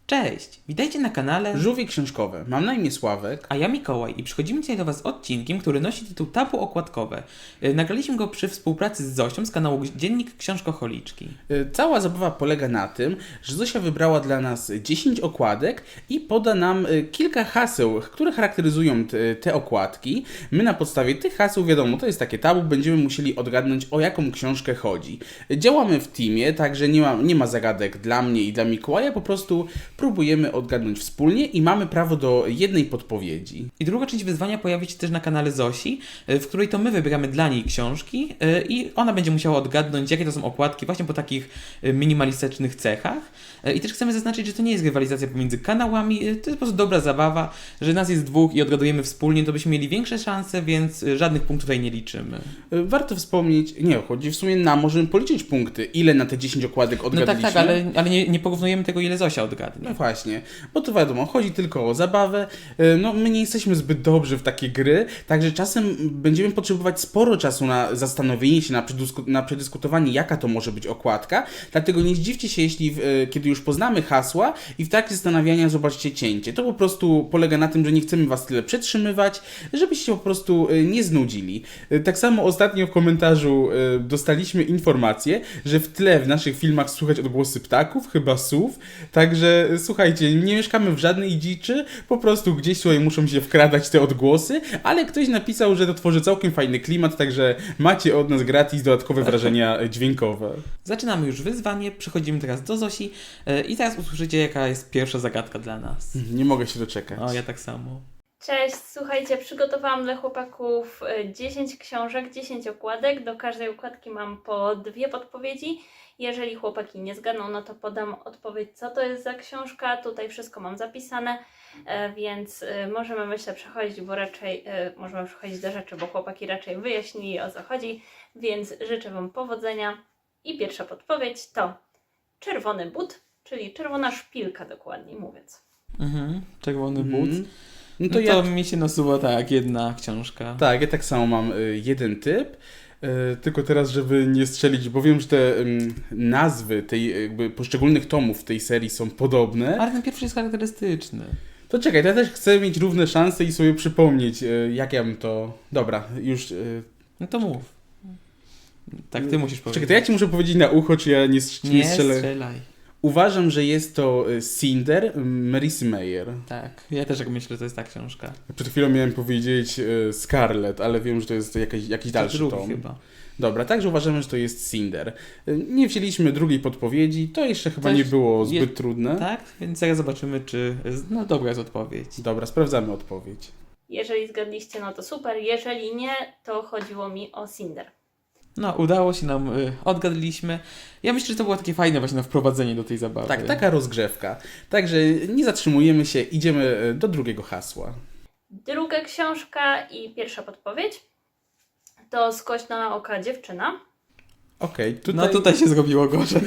Cześć, witajcie na kanale Żółwie książkowe. Mam na imię Sławek. A ja Mikołaj i przychodzimy dzisiaj do Was z odcinkiem, który nosi tytuł Tabu okładkowe. Nagraliśmy go przy współpracy z Zosią z kanału Dziennik Książkoholiczki. Cała zabawa polega na tym, że Zosia wybrała dla nas 10 okładek i poda nam kilka haseł, które charakteryzują te okładki. My na podstawie tych haseł, wiadomo, to jest takie tabu, będziemy musieli odgadnąć, o jaką książkę chodzi. Działamy w teamie, także nie ma zagadek dla mnie i dla Mikołaja, po prostu próbujemy odgadnąć wspólnie i mamy prawo do jednej podpowiedzi. I druga część wyzwania pojawi się też na kanale Zosi, w której to my wybieramy dla niej książki i ona będzie musiała odgadnąć, jakie to są okładki właśnie po takich minimalistycznych cechach. I też chcemy zaznaczyć, że to nie jest rywalizacja pomiędzy kanałami, to jest po prostu dobra zabawa, że nas jest dwóch i odgadujemy wspólnie, to byśmy mieli większe szanse, więc żadnych punktów tutaj nie liczymy. Warto wspomnieć, chodzi w sumie możemy policzyć punkty, ile na te 10 okładek odgadliśmy. No tak, ale nie porównujemy tego, ile Zosia odgadnie. No właśnie, bo to wiadomo, chodzi tylko o zabawę. No, my nie jesteśmy zbyt dobrzy w takie gry, także czasem będziemy potrzebować sporo czasu na zastanowienie się, na przedyskutowanie, jaka to może być okładka. Dlatego nie zdziwcie się, jeśli kiedy już poznamy hasła i w trakcie zastanawiania zobaczycie cięcie. To po prostu polega na tym, że nie chcemy Was tyle przetrzymywać, żebyście się po prostu nie znudzili. Tak samo ostatnio w komentarzu dostaliśmy informację, że w tle w naszych filmach słychać odgłosy ptaków, chyba słów, także słuchajcie, nie mieszkamy w żadnej dziczy, po prostu gdzieś tutaj muszą się wkradać te odgłosy, ale ktoś napisał, że to tworzy całkiem fajny klimat, także macie od nas gratis dodatkowe wrażenia dźwiękowe. Zaczynamy już wyzwanie, przechodzimy teraz do Zosi i teraz usłyszycie, jaka jest pierwsza zagadka dla nas. Nie mogę się doczekać. O, ja tak samo. Cześć, słuchajcie, przygotowałam dla chłopaków 10 książek, 10 okładek. Do każdej okładki mam po 2 podpowiedzi. Jeżeli chłopaki nie zgadną, no to podam odpowiedź, co to jest za książka. Tutaj wszystko mam zapisane, więc możemy, myślę, przechodzić, bo raczej możemy przechodzić do rzeczy, bo chłopaki raczej wyjaśnili, o co chodzi, więc życzę Wam powodzenia. I pierwsza podpowiedź to czerwony but, czyli czerwona szpilka, dokładniej mówiąc. Czerwony but. No to mi się nasuwa tak, jedna książka. Tak, ja tak samo mam jeden typ. Tylko teraz, żeby nie strzelić, bo wiem, że te nazwy tej jakby poszczególnych tomów w tej serii są podobne. Ale ten pierwszy jest charakterystyczny. To czekaj, to ja też chcę mieć równe szanse i sobie przypomnieć, jak ja bym to... Dobra, już... No to mów. Tak, ty musisz powiedzieć. Czekaj, to ja ci muszę powiedzieć na ucho, czy ja nie strzelę. Nie strzelaj. Uważam, że jest to Cinder Marissy Meyer. Tak, ja też tak myślę, że to jest ta książka. Przed chwilą miałem powiedzieć Scarlet, ale wiem, że to jest jakiś dalszy tom. Chyba. Dobra, także uważamy, że to jest Cinder. Nie wzięliśmy drugiej podpowiedzi, to jeszcze chyba nie było zbyt trudne. Tak, więc zaraz zobaczymy, czy dobra jest odpowiedź. Dobra, sprawdzamy odpowiedź. Jeżeli zgadliście, no to super. Jeżeli nie, to chodziło mi o Cinder. No, udało się nam, odgadliśmy. Ja myślę, że to było takie fajne właśnie na wprowadzenie do tej zabawy. Tak, taka rozgrzewka. Także nie zatrzymujemy się, idziemy do drugiego hasła. Druga książka i pierwsza podpowiedź to Skośna oka dziewczyna. Okej, tutaj się zrobiło gorzej.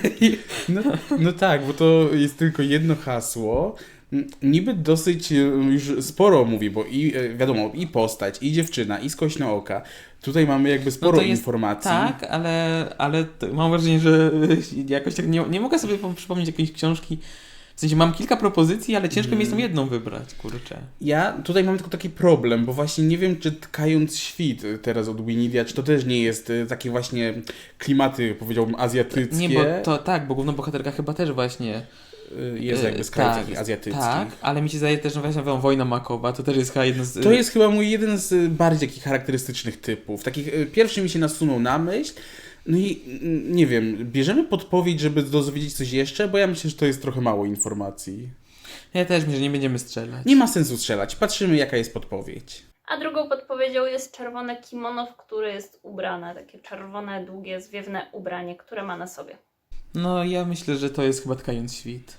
No tak, bo to jest tylko jedno hasło. Niby dosyć już sporo mówi, bo wiadomo, i postać, i dziewczyna, i skośna oka. Tutaj mamy jakby sporo informacji. Tak, ale mam wrażenie, że jakoś tak nie mogę sobie przypomnieć jakiejś książki. W sensie mam kilka propozycji, ale ciężko mi jest tą jedną wybrać, kurczę. Ja tutaj mam tylko taki problem, bo właśnie nie wiem, czy Tkając świt teraz od Winidia, czy to też nie jest takie właśnie klimaty, powiedziałbym, azjatyckie. Nie, bo to tak, bo główna bohaterka chyba też właśnie jest jakby z krajów takich azjatyckich. Tak, ale mi się zdaje też, że właśnie Wojna Makowa, to też jest chyba jedno z... To jest chyba mój jeden z bardziej takich charakterystycznych typów. Takich, pierwszy mi się nasunął na myśl. No i nie wiem, bierzemy podpowiedź, żeby dowiedzieć coś jeszcze, bo ja myślę, że to jest trochę mało informacji. Ja też myślę, że nie będziemy strzelać. Nie ma sensu strzelać, patrzymy jaka jest podpowiedź. A drugą podpowiedzią jest czerwone kimono, w które jest ubrane. Takie czerwone, długie, zwiewne ubranie, które ma na sobie. No ja myślę, że to jest chyba Tkając świt.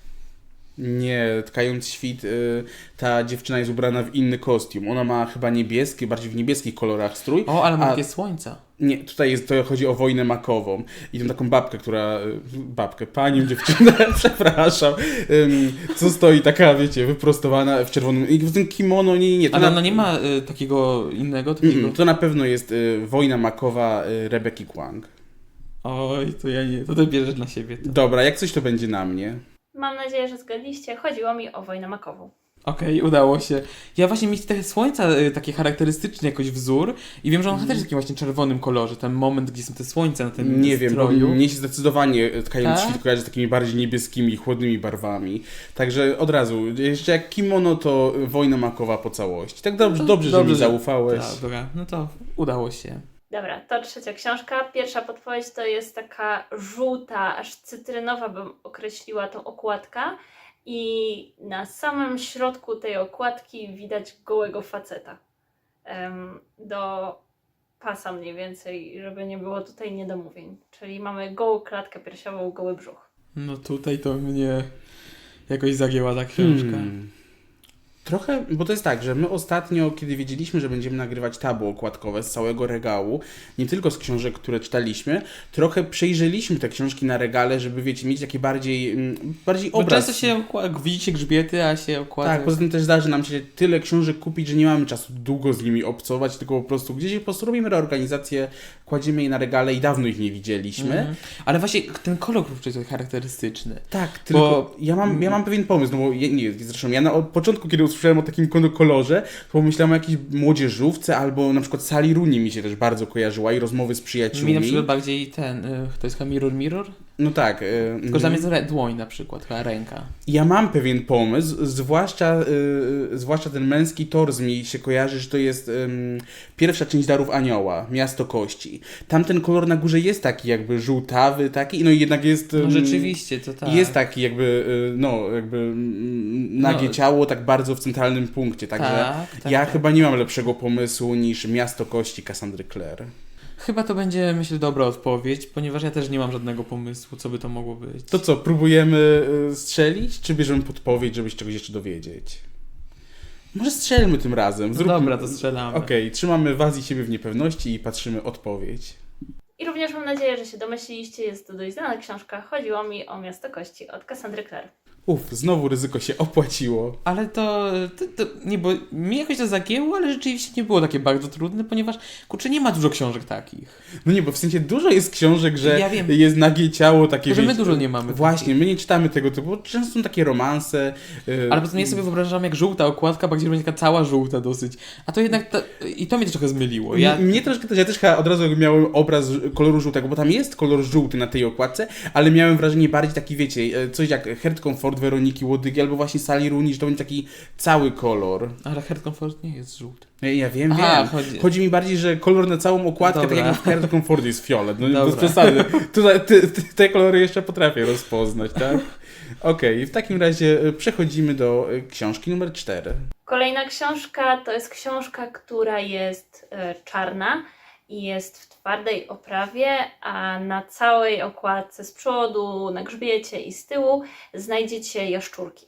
Nie, Tkając świt, ta dziewczyna jest ubrana w inny kostium. Ona ma chyba niebieski, bardziej w niebieskich kolorach strój. O, ale ma takie słońca. Nie, tutaj to chodzi o Wojnę Makową. I tą taką panią dziewczynę, przepraszam, co stoi taka, wiecie, wyprostowana w czerwonym, i w tym kimono, nie. Ale ona nie ma takiego innego? To na pewno jest Wojna Makowa Rebeki Kwang. Oj, to ja nie, to ty bierzesz na siebie. To. Dobra, jak coś to będzie na mnie. Mam nadzieję, że zgadliście. Chodziło mi o wojnę makową. Okej, udało się. Ja właśnie mieć te słońca takie charakterystyczny jakoś wzór i wiem, że on też jest w takim właśnie czerwonym kolorze. Ten moment, gdzie są te słońca na tym Nie wiem, bo stroju. mnie się zdecydowanie Tkając Tak? Świt kojarzy z takimi bardziej niebieskimi, chłodnymi barwami. Także od razu, jeszcze jak kimono, to wojna makowa po całości. Tak dobrze, że mi zaufałeś. Tak, dobra, no to udało się. Dobra, to trzecia książka. Pierwsza podpowiedź to jest taka żółta, aż cytrynowa bym określiła tą okładka. I na samym środku tej okładki widać gołego faceta. Do pasa mniej więcej, żeby nie było tutaj niedomówień. Czyli mamy gołą klatkę piersiową, goły brzuch. No tutaj to mnie jakoś zagięła ta książka. Trochę, bo to jest tak, że my ostatnio, kiedy wiedzieliśmy, że będziemy nagrywać tabu okładkowe z całego regału, nie tylko z książek, które czytaliśmy, trochę przejrzeliśmy te książki na regale, żeby, wiecie, mieć taki bardziej Bo obraz. często się widzicie grzbiety, a się okłada. Tak, poza tym też zdarzy nam się tyle książek kupić, że nie mamy czasu długo z nimi obcować, tylko po prostu gdzieś po prostu robimy reorganizację, kładziemy je na regale i dawno ich nie widzieliśmy. Ale właśnie ten kolor kurczę jest charakterystyczny. Tak, tylko Bo- ja mam pewien pomysł, no bo zresztą ja od początku, kiedy usłyszałem o takim kolorze, to pomyślałem o jakiejś młodzieżówce albo na przykład Sally Rooney mi się też bardzo kojarzyła i rozmowy z przyjaciółmi. Mi na przykład bardziej ten, to jest chyba Mirror? No tak. Tylko że tam jest dłoń na przykład, chyba ręka. Ja mam pewien pomysł, zwłaszcza ten męski tors mi się kojarzy, że to jest pierwsza część Darów Anioła, Miasto Kości. Tamten kolor na górze jest taki jakby żółtawy, taki, no i jednak jest... No rzeczywiście, to tak. Jest taki jakby, nagie ciało tak bardzo w centralnym punkcie, także tak, ja tak. chyba nie mam lepszego pomysłu niż Miasto Kości Cassandry Clare. Chyba to będzie, myślę, dobra odpowiedź, ponieważ ja też nie mam żadnego pomysłu, co by to mogło być. To co, próbujemy strzelić, czy bierzemy podpowiedź, żeby się czegoś jeszcze dowiedzieć? Może strzelmy tym razem. No dobra, to strzelamy. Okej, trzymamy was i siebie w niepewności i patrzymy odpowiedź. I również mam nadzieję, że się domyśliliście, jest to dość znana książka. Chodziło mi o Miasto Kości od Cassandry Clare. Znowu ryzyko się opłaciło. Ale to nie, bo mi jakoś to zagięło, ale rzeczywiście nie było takie bardzo trudne, ponieważ, kurczę, nie ma dużo książek takich. No nie, bo w sensie dużo jest książek, że Ja wiem. jest nagie ciało takie, Tylko, że my wiecie, dużo nie mamy Właśnie, my nie czytamy tego typu, bo często są takie romanse. Ale potem ja sobie wyobrażam, jak żółta okładka, bo gdzieś będzie taka cała żółta dosyć. A to jednak, i to mnie też trochę zmyliło. Mnie troszkę też, ja też chyba od razu miałem obraz koloru żółtego, bo tam jest kolor żółty na tej okładce, ale miałem wrażenie bardziej taki, wiecie, coś jak Heart Comfort Weroniki Łodygi albo właśnie Sally Rooney, że to będzie taki cały kolor. Ale Heart Comfort nie jest żółty. Ja wiem. Aha, Chodzi mi bardziej, że kolor na całą okładkę, Dobra. tak jak w Heart Comfort jest fiolet. No Dobra. bez przesady. Tutaj te kolory jeszcze potrafię rozpoznać, tak? Okej, w takim razie przechodzimy do książki numer 4. Kolejna książka to jest książka, która jest czarna i jest w twardej oprawie, a na całej okładce z przodu, na grzbiecie i z tyłu znajdziecie jaszczurki.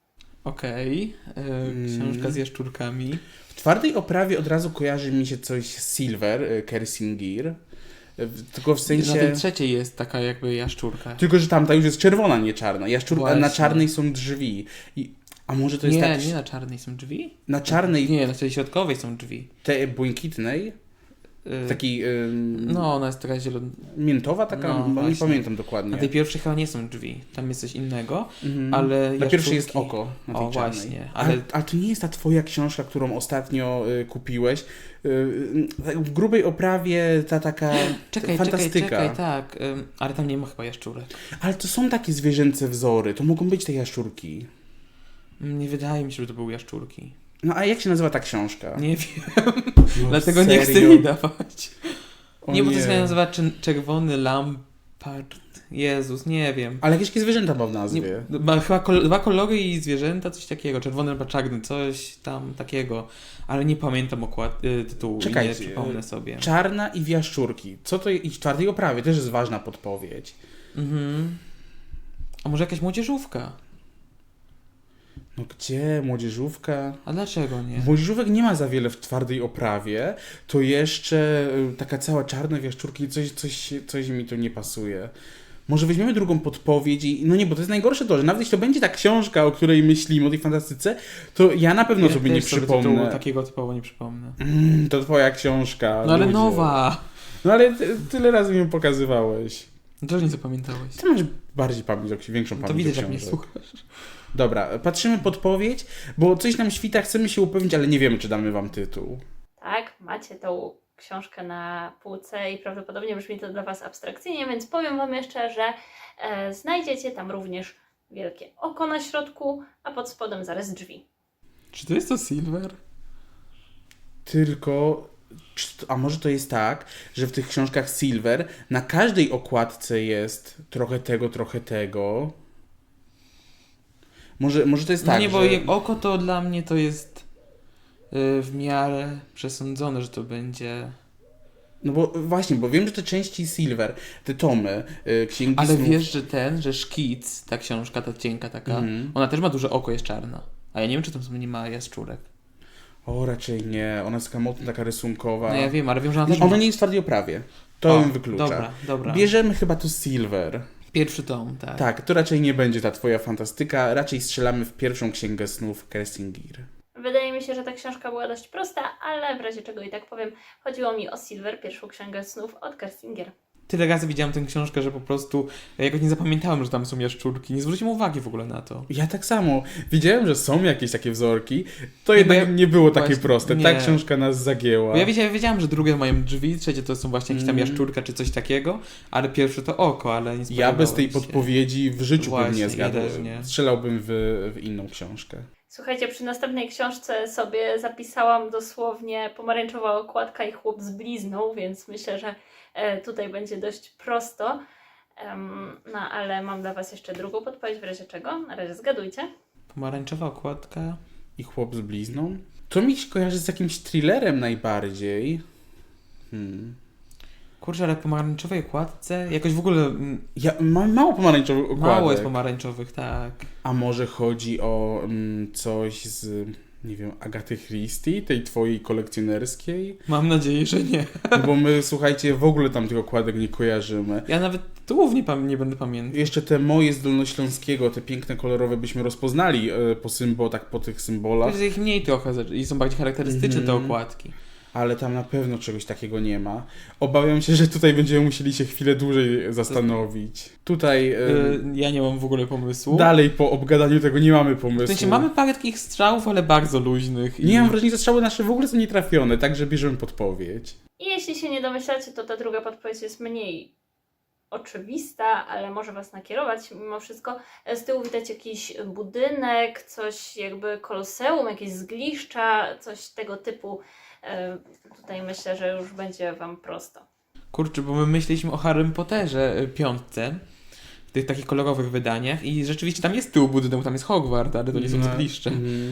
Okej. Książka z jaszczurkami. W twardej oprawie od razu kojarzy mi się coś z Silver, Kersingir. Tylko w sensie... Na tej trzeciej jest taka jakby jaszczurka. Tylko, że tamta już jest czerwona, nie czarna. Jaszczurka, Właśnie. na czarnej są drzwi. A może to jest tak... Nie na czarnej są drzwi? Na czarnej, Nie, na tej środkowej są drzwi. tej błękitnej, taki No, ona jest taka zielona. miętowa taka, No, bo nie właśnie. pamiętam dokładnie. Na tej pierwszej chyba nie są drzwi. Tam jest coś innego, Mhm. ale Na pierwszej jest jaszczurki- oko, na tej O, czarnej. właśnie, Ale to nie jest ta twoja książka, którą ostatnio kupiłeś. Tak w grubej oprawie ta taka fantastyka. Czekaj, tak. Ale tam nie ma chyba jaszczurek. Ale to są takie zwierzęce wzory, to mogą być te jaszczurki. Nie wydaje mi się, że to były jaszczurki. No a jak się nazywa ta książka? Nie wiem, No, dlatego nie chcę serio? mi dawać. O Nie, bo to się nazywa Czerwony Lampart. Jezus, nie wiem. Ale jakieś zwierzęta ma w Nie, nazwie. ma chyba dwa kolory i zwierzęta, coś takiego. Czerwony albo czarny, coś tam takiego. Ale nie pamiętam tytułu i nie przypomnę sobie. Czarna i w jaszczurki. Co to i w twardej oprawie też jest ważna podpowiedź. Mhm. A może jakaś młodzieżówka? No gdzie? Młodzieżówka? A dlaczego nie? Młodzieżówek nie ma za wiele w twardej oprawie, to jeszcze taka cała czarna w jaszczurki, coś mi tu nie pasuje. Może weźmiemy drugą podpowiedź i... No nie, bo to jest najgorsze to, że nawet jeśli to będzie ta książka, o której myślimy, o tej fantastyce, to ja na pewno sobie nie też sobie przypomnę. tytułu takiego typowo nie przypomnę. To twoja książka. No ale ludzie. nowa! No ale tyle razy mi ją pokazywałeś. Dlaczego nie zapamiętałeś? Ty masz bardziej pamięć, większą To pamięć widać, do jak mnie książek. słuchasz. Dobra, patrzymy podpowiedź, bo coś nam świta, chcemy się upewnić, ale nie wiemy, czy damy wam tytuł. Tak, macie tą książkę na półce i prawdopodobnie brzmi to dla Was abstrakcyjnie, więc powiem Wam jeszcze, że znajdziecie tam również wielkie oko na środku, a pod spodem zarys drzwi. Czy to jest to Silver? Tylko, a może to jest tak, że w tych książkach Silver na każdej okładce jest trochę tego, trochę tego. Może to jest No tak, nie, bo że... jak oko to dla mnie to jest w miarę przesądzone, że to będzie... No bo właśnie, bo wiem, że te części Silver, te tomy, księgi Ale snów... wiesz, że Szkic, ta książka, ta cienka taka, ona też ma duże oko, jest czarna. A ja nie wiem, czy tam nie ma jaszczurek. O, raczej nie. Ona jest taka mocno taka rysunkowa. No ja wiem, ale wiem, że ona też Ona ma... nie jest w twardej oprawie. To ją wyklucza. Dobra. Bierzemy chyba tu Silver. Pierwszy tom, tak. Tak, to raczej nie będzie ta twoja fantastyka. Raczej strzelamy w pierwszą księgę snów Kersingir. Wydaje mi się, że ta książka była dość prosta, ale w razie czego i tak powiem, chodziło mi o Silver, pierwszą księgę snów od Kerstinger. Tyle razy widziałem tę książkę, że po prostu jakoś nie zapamiętałem, że tam są jaszczurki. Nie zwróciłem uwagi w ogóle na to. Ja tak samo. Widziałem, że są jakieś takie wzorki. To Nie, jednak bo ja- nie było takie właśnie, proste. nie. Ta książka nas zagięła. Bo ja wiedziałem, że drugie mają drzwi, trzecie to są właśnie jakieś tam jaszczurka czy coś takiego, ale pierwsze to oko, ale nie Ja bez tej spodziewałem się. podpowiedzi w życiu bym Właśnie, nie zgadł. ja też nie. Strzelałbym w inną książkę. Słuchajcie, przy następnej książce sobie zapisałam dosłownie pomarańczowa okładka i chłop z blizną, więc myślę, że tutaj będzie dość prosto. No ale mam dla Was jeszcze drugą podpowiedź, w razie czego. Na razie zgadujcie. Pomarańczowa okładka. I chłop z blizną? To mi się kojarzy z jakimś thrillerem najbardziej. Kurczę, ale pomarańczowej okładce? Jakoś w ogóle Ja mam mało pomarańczowych okładek. mało jest pomarańczowych, tak. A może chodzi o coś z, nie wiem, Agaty Christie, tej twojej kolekcjonerskiej? Mam nadzieję, że nie. No bo my, słuchajcie, w ogóle tam tych okładek nie kojarzymy. Ja nawet tytułów nie będę pamiętał. Jeszcze te moje z Dolnośląskiego, te piękne, kolorowe byśmy rozpoznali po tych symbolach, Jest ich mniej trochę i są bardziej charakterystyczne te okładki. ale tam na pewno czegoś takiego nie ma. Obawiam się, że tutaj będziemy musieli się chwilę dłużej zastanowić. Tutaj Ja nie mam w ogóle pomysłu. dalej po obgadaniu tego nie mamy W pomysłu. sensie mamy parę takich strzałów, ale bardzo luźnych. Nie mam wrażenia, że strzały nasze w ogóle są nietrafione, także bierzemy podpowiedź. I jeśli się nie domyślacie, to ta druga podpowiedź jest mniej oczywista, ale może Was nakierować mimo wszystko. Z tyłu widać jakiś budynek, coś jakby koloseum, jakieś zgliszcza, coś tego typu. Tutaj myślę, że już będzie Wam prosto. Kurczę, bo my myśleliśmy o Harrym Potterze piątce, w tych takich kolorowych wydaniach i rzeczywiście tam jest tył budynek, tam jest Hogwart, ale to nie są zgliszcze,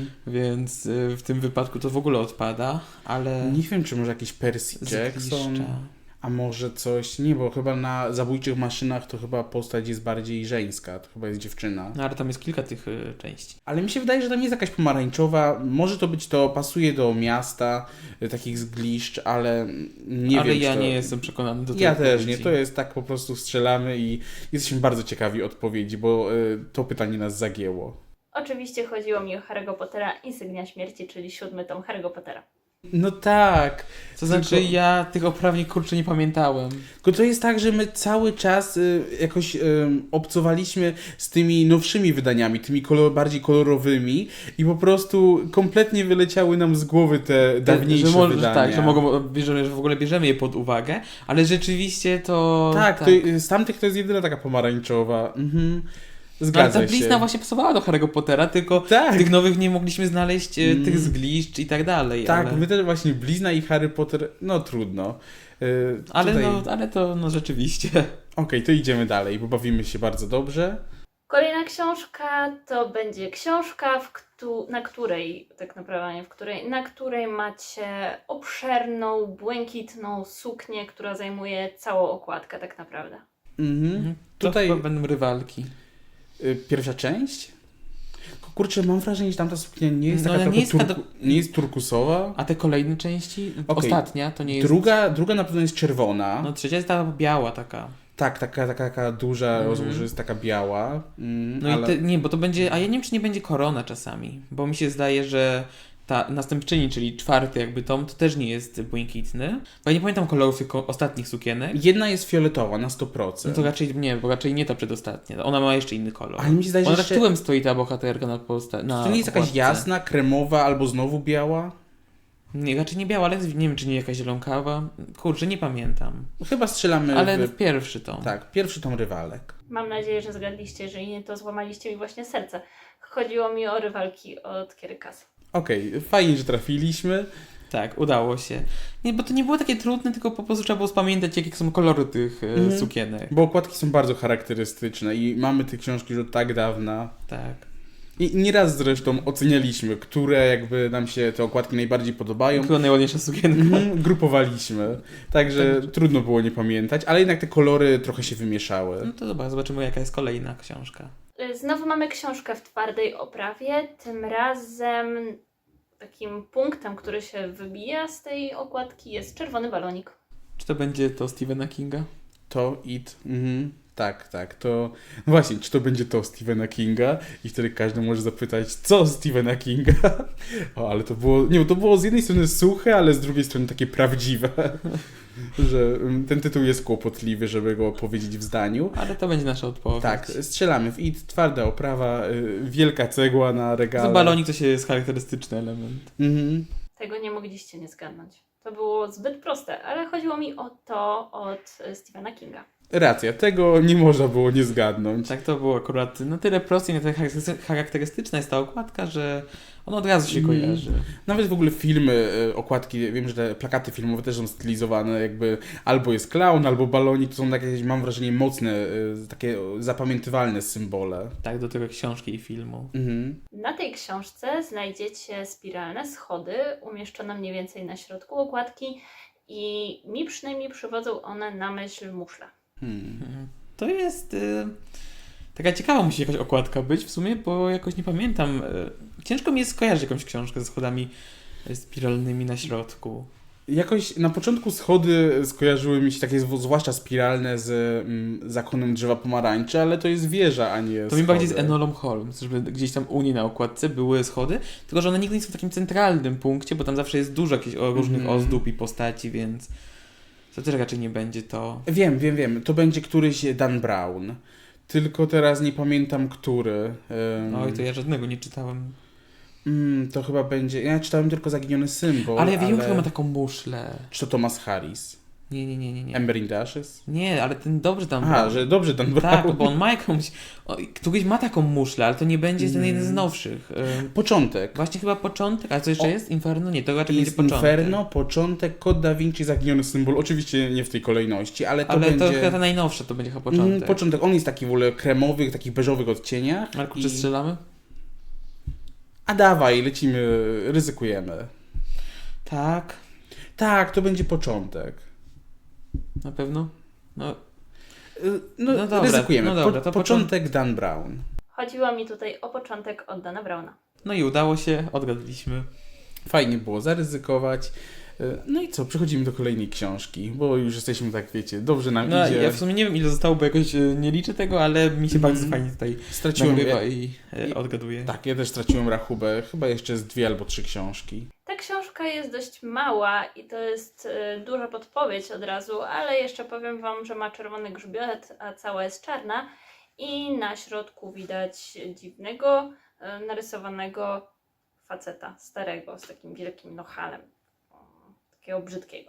więc w tym wypadku to w ogóle odpada, ale Nie wiem, czy może jakiś Percy Jackson, a może coś, nie, bo chyba na Zabójczych maszynach to chyba postać jest bardziej żeńska, to chyba jest dziewczyna. No ale tam jest kilka tych części. Ale mi się wydaje, że tam jest jakaś pomarańczowa, może to być to, pasuje do miasta, takich zgliszcz, ale nie ale wiem, ja czy to... nie jestem przekonany do tego. Ja też nie, to jest tak po prostu strzelamy i jesteśmy bardzo ciekawi odpowiedzi, bo to pytanie nas zagięło. Oczywiście chodziło mi o Harry'ego Pottera, Insygnia Śmierci, czyli 7 tom Harry'ego Pottera. No tak. To znaczy Tylko- ja tych oprawnik kurczę nie pamiętałem. Tylko to jest tak, że my cały czas jakoś obcowaliśmy z tymi nowszymi wydaniami, tymi bardziej kolorowymi i po prostu kompletnie wyleciały nam z głowy te dawniejsze że wydania. tak, że w ogóle bierzemy je pod uwagę, ale rzeczywiście to... Tak, to, z tamtych to jest jedyna taka pomarańczowa. Mhm. Ale Zgadza ta blizna się. właśnie pasowała do Harry'ego Pottera, tylko Tak. w tych nowych nie mogliśmy znaleźć tych zgliszcz i tak dalej. Tak, ale... my też właśnie Blizna i Harry Potter, no trudno. Ale to rzeczywiście. Okej, to idziemy dalej, bo bawimy się bardzo dobrze. Kolejna książka to będzie książka, na której, tak naprawdę nie w której, na której macie obszerną, błękitną suknię, która zajmuje całą okładkę tak naprawdę. Mhm. To Tutaj chyba będą rywalki. pierwsza część? Kurczę, mam wrażenie, że tamta suknia nie jest No, taka ale trochę nie jest nie jest turkusowa. A te kolejne części? Okej. Ostatnia to nie jest... Druga na pewno jest czerwona. No trzecia jest ta biała taka. Tak, taka duża, rozłożysta, taka biała. No ale... i nie, bo to będzie... A ja nie wiem, czy nie będzie korona czasami. Bo mi się zdaje, że ta następczyni, czyli 4 jakby tom, to też nie jest błękitny. Bo ja nie pamiętam kolorów tych ostatnich sukienek. Jedna jest fioletowa na 100%. No to raczej nie, bo raczej nie ta przedostatnia. Ona ma jeszcze inny kolor. Ale mi się zdaje, że Ona jeszcze... tak tyłem stoi ta bohaterka na To nie jest jakaś okładce. jasna, kremowa albo znowu biała? Nie, raczej nie biała, ale nie wiem, czy nie jakaś zielonkawa. Kurczę, nie pamiętam. Chyba strzelamy Ale w... pierwszy tom. Tak, pierwszy tom Rywalek. Mam nadzieję, że zgadliście, jeżeli nie, to złamaliście mi właśnie serce. Chodziło mi o Rywalki od Kierykasa. Okej, fajnie, że trafiliśmy. Tak, udało się. Nie, bo to nie było takie trudne, tylko po prostu trzeba było spamiętać, jakie są kolory tych sukienek. Bo okładki są bardzo charakterystyczne i mamy te książki już od tak dawna. Tak. I nieraz zresztą ocenialiśmy, które jakby nam się te okładki najbardziej podobają. Była najładniejsza sukienka. Grupowaliśmy. Także trudno było nie pamiętać, ale jednak te kolory trochę się wymieszały. No to zobaczymy, jaka jest kolejna książka. Znowu mamy książkę w twardej oprawie. Tym razem takim punktem, który się wybija z tej okładki, jest czerwony balonik. Czy to będzie to Stephena Kinga? To It. Tak. To... No właśnie, czy to będzie to Stephena Kinga? I wtedy każdy może zapytać, co Stephena Kinga? O, ale to było... Nie, to było z jednej strony suche, ale z drugiej strony takie prawdziwe. Że ten tytuł jest kłopotliwy, żeby go powiedzieć w zdaniu. Ale to będzie nasza odpowiedź. Tak, strzelamy w It, twarda oprawa, wielka cegła na regale. Za balonik to się jest charakterystyczny element. Tego nie mogliście nie zgadnąć. To było zbyt proste, ale chodziło mi o to od Stephena Kinga. Racja, tego nie można było nie zgadnąć. Tak, to było akurat na tyle proste i na tyle charakterystyczna jest ta okładka, że ona od razu się kojarzy. Nawet w ogóle filmy, okładki, wiem, że te plakaty filmowe też są stylizowane, jakby albo jest klaun, albo balonik, to są jakieś, mam wrażenie, mocne, takie zapamiętywalne symbole. Tak, do tego książki i filmu. Na tej książce znajdziecie spiralne schody umieszczone mniej więcej na środku okładki i mi przynajmniej przywodzą one na myśl muszla. To jest... Taka ciekawa musi jakaś okładka być w sumie, bo jakoś nie pamiętam. Ciężko mi jest skojarzyć jakąś książkę ze schodami spiralnymi na środku. Jakoś na początku schody skojarzyły mi się takie zwłaszcza spiralne z Zakonem Drzewa Pomarańczy, ale to jest wieża, a nie To schody. mi bardziej z Enolą Holmes, żeby gdzieś tam u niej na okładce były schody, tylko że one nigdy nie są w takim centralnym punkcie, bo tam zawsze jest dużo jakichś różnych ozdób i postaci, więc to też raczej nie będzie to. Wiem. To będzie któryś Dan Brown. Tylko teraz nie pamiętam, który. Oj, to ja żadnego nie czytałem. To chyba będzie... Ja czytałem tylko Zaginiony Symbol, Ale ja wiem, kto ma taką muszlę. Czy to Thomas Harris? Nie. Ember in the Ashes? Nie, ale ten dobrze tam Aha, był. że dobrze Dan Brown. Tak, bo on ma jakąś... Któryś ma taką muszlę, ale to nie będzie ten jeden z nowszych. Początek. Właśnie chyba początek, a co jeszcze jest? Inferno? Nie, to raczej będzie Jest początek. Inferno, początek, Kod Da Vinci, Zaginiony Symbol. Oczywiście nie w tej kolejności, ale to Ale będzie... to chyba ta najnowsza, to będzie chyba początek. Początek. On jest taki w ogóle kremowych, takich beżowych odcieniach. Marku, czy strzelamy? A dawaj, lecimy, ryzykujemy. Tak, Tak, to będzie początek. na pewno. No, No dobra, ryzykujemy. no dobra, to początek Dan Brown. Chodziło mi tutaj o początek od Dana Browna. no i udało się, odgadliśmy. Fajnie było zaryzykować. No i co, przechodzimy do kolejnej książki, bo już jesteśmy tak, wiecie, dobrze nam No idzie. ja w sumie nie wiem ile zostało, bo jakoś nie liczę tego, ale mi się bardzo fajnie tutaj Straciłem... nagrywa i odgaduję. Tak, ja też straciłem rachubę. Chyba jeszcze z 2 albo 3 książki. Ta książka jest dość mała i to jest duża podpowiedź od razu, ale jeszcze powiem Wam, że ma czerwony grzbiet, a cała jest czarna i na środku widać dziwnego, narysowanego faceta, starego, z takim wielkim nochalem. Takiego brzydkiego.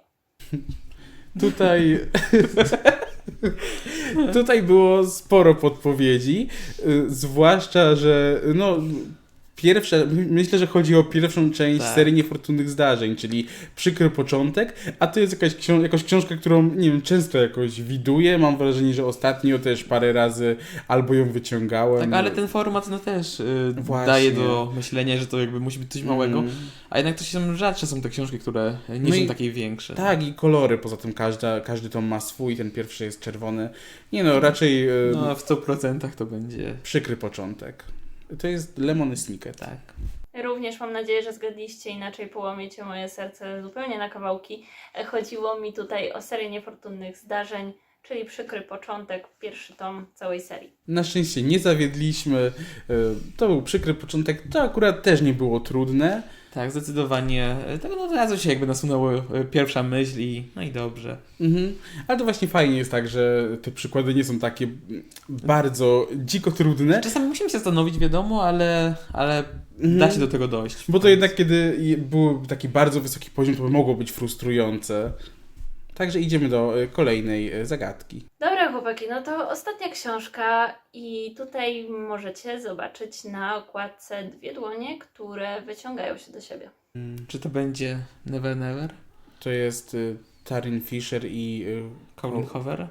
Tutaj było sporo podpowiedzi, zwłaszcza, że no myślę, że chodzi o pierwszą część Tak. serii Niefortunnych Zdarzeń, czyli przykry początek, a to jest jakaś książka, którą, nie wiem, często jakoś widuję, mam wrażenie, że ostatnio też parę razy albo ją wyciągałem. Tak, ale ten format no też Właśnie. daje do myślenia, że to jakby musi być coś małego, a jednak to się rzadsze są te książki, które nie No są i- takie większe. Tak, i kolory, poza tym każdy tom ma swój, ten pierwszy jest czerwony. Nie no, raczej No w 100% to będzie przykry początek. To jest Lemony Snicket. tak. Również mam nadzieję, że zgadliście, inaczej połamiecie moje serce zupełnie na kawałki. Chodziło mi tutaj o serię Niefortunnych Zdarzeń, czyli przykry początek, pierwszy tom całej serii. Na szczęście nie zawiedliśmy. To był przykry początek. To akurat też nie było trudne. Tak, zdecydowanie. Tak, no od razu się jakby nasunęła pierwsza myśl i no i dobrze. Ale to właśnie fajnie jest tak, że te przykłady nie są takie bardzo dziko trudne. Czasami musimy się zastanowić, wiadomo, ale da się do tego dojść. Bo to jednak kiedy był taki bardzo wysoki poziom, to by mogło być frustrujące. Także idziemy do kolejnej zagadki. Dobra chłopaki, no to ostatnia książka i tutaj możecie zobaczyć na okładce 2 dłonie, które wyciągają się do siebie. Czy to będzie Never Never? To jest Taryn Fisher i Colin Hoover?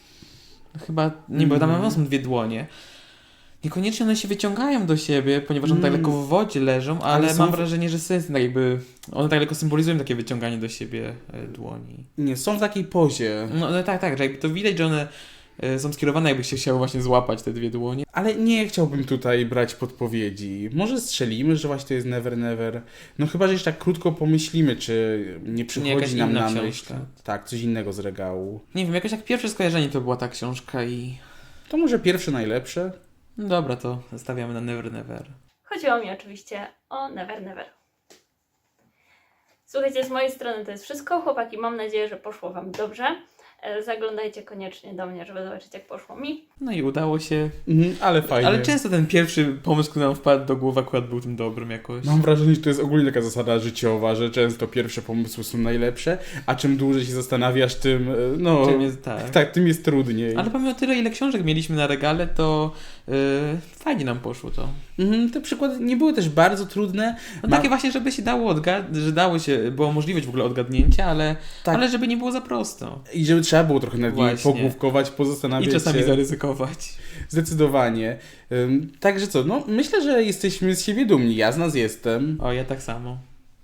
Chyba, nie, bo tam są 2 dłonie. Niekoniecznie one się wyciągają do siebie, ponieważ one tak lekko w wodzie leżą, ale są mam wrażenie, że sens, tak jakby one tak lekko symbolizują takie wyciąganie do siebie dłoni. Nie, są w takiej pozie. No tak, że jakby to widać, że one są skierowane, jakby się chciały właśnie złapać te 2 dłonie. Ale nie chciałbym tutaj brać podpowiedzi. Może strzelimy, że właśnie to jest Never Never. No chyba, że jeszcze tak krótko pomyślimy, czy nie jakaś przychodzi nam inna na myśl. książka. Tak, coś innego z regału. Nie wiem, jakoś jak pierwsze skojarzenie to była ta książka i... To może pierwsze najlepsze? No dobra, to stawiamy na Never Never. Chodziło mi oczywiście o Never Never. Słuchajcie, z mojej strony to jest wszystko. Chłopaki, mam nadzieję, że poszło Wam dobrze. Zaglądajcie koniecznie do mnie, żeby zobaczyć, jak poszło mi. No i udało się. Ale fajnie. Ale często ten pierwszy pomysł, który nam wpadł do głowy, akurat był tym dobrym jakoś. Mam wrażenie, że to jest ogólnie taka zasada życiowa, że często pierwsze pomysły są najlepsze, a czym dłużej się zastanawiasz, tym no... Czym jest, tak. Tak, tym jest trudniej. Ale pomimo tyle, ile książek mieliśmy na regale, to fajnie nam poszło to. Te przykłady nie były też bardzo trudne. No takie właśnie, żeby się dało że dało się, była możliwość w ogóle odgadnięcia, ale, Tak. ale żeby nie było za prosto. I żeby trzeba było trochę nad nimi Właśnie. pogłówkować, pozastanawiać I czasami się. zaryzykować. Zdecydowanie. Także co, no myślę, że jesteśmy z siebie dumni. Ja z nas jestem. O, ja tak samo.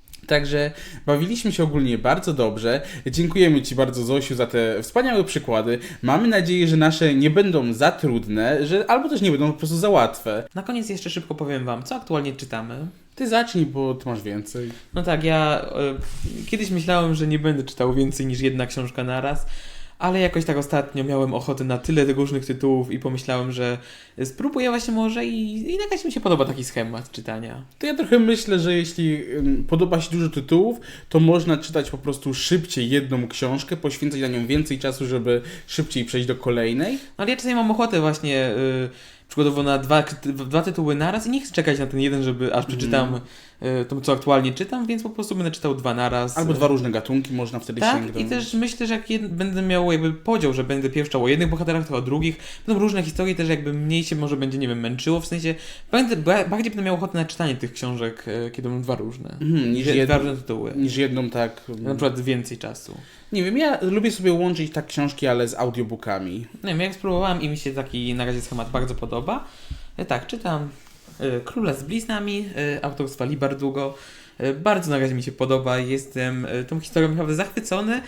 Także bawiliśmy się ogólnie bardzo dobrze. Dziękujemy Ci bardzo, Zosiu, za te wspaniałe przykłady. Mamy nadzieję, że nasze nie będą za trudne, że albo też nie będą po prostu za łatwe. Na koniec jeszcze szybko powiem Wam, co aktualnie czytamy. Ty zacznij, bo Ty masz więcej. No tak, ja kiedyś myślałem, że nie będę czytał więcej niż 1 książka naraz, ale jakoś tak ostatnio miałem ochotę na tyle tych różnych tytułów i pomyślałem, że spróbuję właśnie może i jakaś mi się podoba taki schemat czytania. To ja trochę myślę, że jeśli podoba się dużo tytułów, to można czytać po prostu szybciej jedną książkę, poświęcać na nią więcej czasu, żeby szybciej przejść do kolejnej. No ale ja czasami mam ochotę właśnie przykładowo na 2 tytuły naraz i nie chcę czekać na ten jeden, żeby aż przeczytam to, co aktualnie czytam, więc po prostu będę czytał 2 naraz. Albo 2 różne gatunki można wtedy tak, sięgnąć. i też myślę, że jak będę miał jakby podział, że będę pierwszy o jednych bohaterach, to o drugich, będą różne historie, też jakby mniej się może będzie, nie wiem, męczyło, w sensie bardziej będę miał ochotę na czytanie tych książek, kiedy będą 2 różne. Niż 2 różne tytuły. Niż jedną tak... Na przykład więcej czasu. Nie wiem, ja lubię sobie łączyć tak książki, ale z audiobookami. Nie wiem, jak spróbowałem i mi się taki na razie schemat bardzo podoba. Tak, czytam Króla z bliznami, autorstwa Lee Bardugo. Bardzo na razie mi się podoba, jestem tą historią naprawdę zachwycony.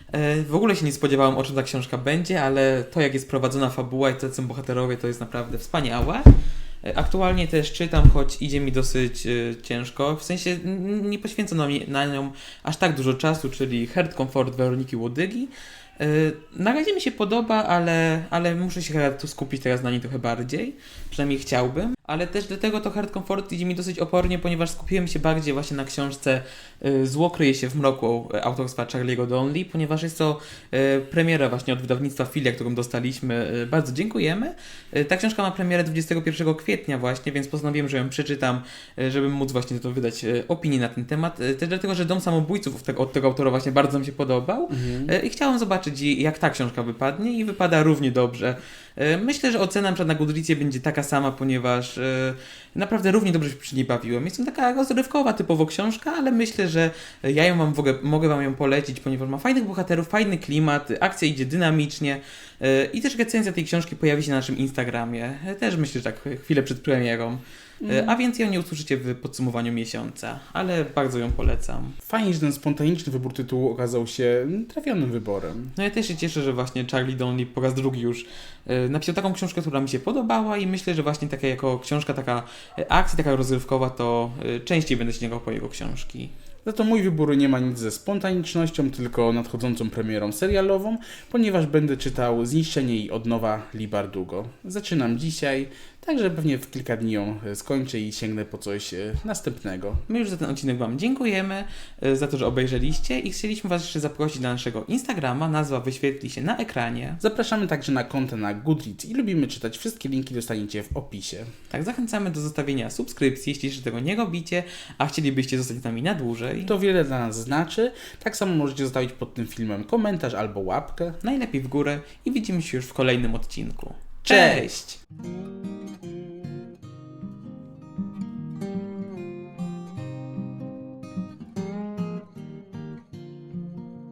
W ogóle się nie spodziewałem, o czym ta książka będzie, ale to, jak jest prowadzona fabuła i to, co są bohaterowie, to jest naprawdę wspaniałe. Aktualnie też czytam, choć idzie mi dosyć ciężko, w sensie nie poświęcono mi na nią aż tak dużo czasu, czyli Heart Comfort Weroniki Łodygi. Na razie mi się podoba, ale muszę się chyba tu skupić teraz na niej trochę bardziej, przynajmniej chciałbym, ale też dlatego to Heart Comfort idzie mi dosyć opornie, ponieważ skupiłem się bardziej właśnie na książce Zło kryje się w mroku autorstwa Charlie'ego Donnelly, ponieważ jest to premiera właśnie od wydawnictwa Filia, którą dostaliśmy. Bardzo dziękujemy. Ta książka ma premierę 21 kwietnia właśnie, więc postanowiłem, że ją przeczytam, żeby móc właśnie to wydać opinię na ten temat. Też dlatego, że Dom Samobójców od tego autora właśnie bardzo mi się podobał i chciałem zobaczyć, jak ta książka wypadnie i wypada równie dobrze. Myślę, że ocena na Goodreadzie będzie taka sama, ponieważ naprawdę równie dobrze się przy niej bawiłem. Jest to taka rozrywkowa typowo książka, ale myślę, że ja ją mogę Wam ją polecić, ponieważ ma fajnych bohaterów, fajny klimat, akcja idzie dynamicznie i też recenzja tej książki pojawi się na naszym Instagramie. Też myślę, że tak chwilę przed premierą. A więc ją nie usłyszycie w podsumowaniu miesiąca, ale bardzo ją polecam. Fajnie, że ten spontaniczny wybór tytułu okazał się trafionym wyborem. No ja też się cieszę, że właśnie Charlie Donnelly po raz drugi już napisał taką książkę, która mi się podobała i myślę, że właśnie taka jako książka, taka akcja, taka rozrywkowa, to częściej będę sięgał po jego książki. Za to mój wybór nie ma nic ze spontanicznością, tylko nadchodzącą premierą serialową, ponieważ będę czytał Zniszczenie i odnowa Leigh Bardugo. Zaczynam dzisiaj, także pewnie w kilka dni ją skończę i sięgnę po coś następnego. My już za ten odcinek Wam dziękujemy za to, że obejrzeliście i chcieliśmy Was jeszcze zaprosić na naszego Instagrama, nazwa wyświetli się na ekranie. Zapraszamy także na konto na Goodreads i lubimy czytać. Wszystkie linki dostaniecie w opisie. Tak, zachęcamy do zostawienia subskrypcji, jeśli jeszcze tego nie robicie, a chcielibyście zostać z nami na dłużej. To wiele dla nas znaczy. Tak samo możecie zostawić pod tym filmem komentarz albo łapkę. Najlepiej w górę i widzimy się już w kolejnym odcinku. Cześć! Cześć!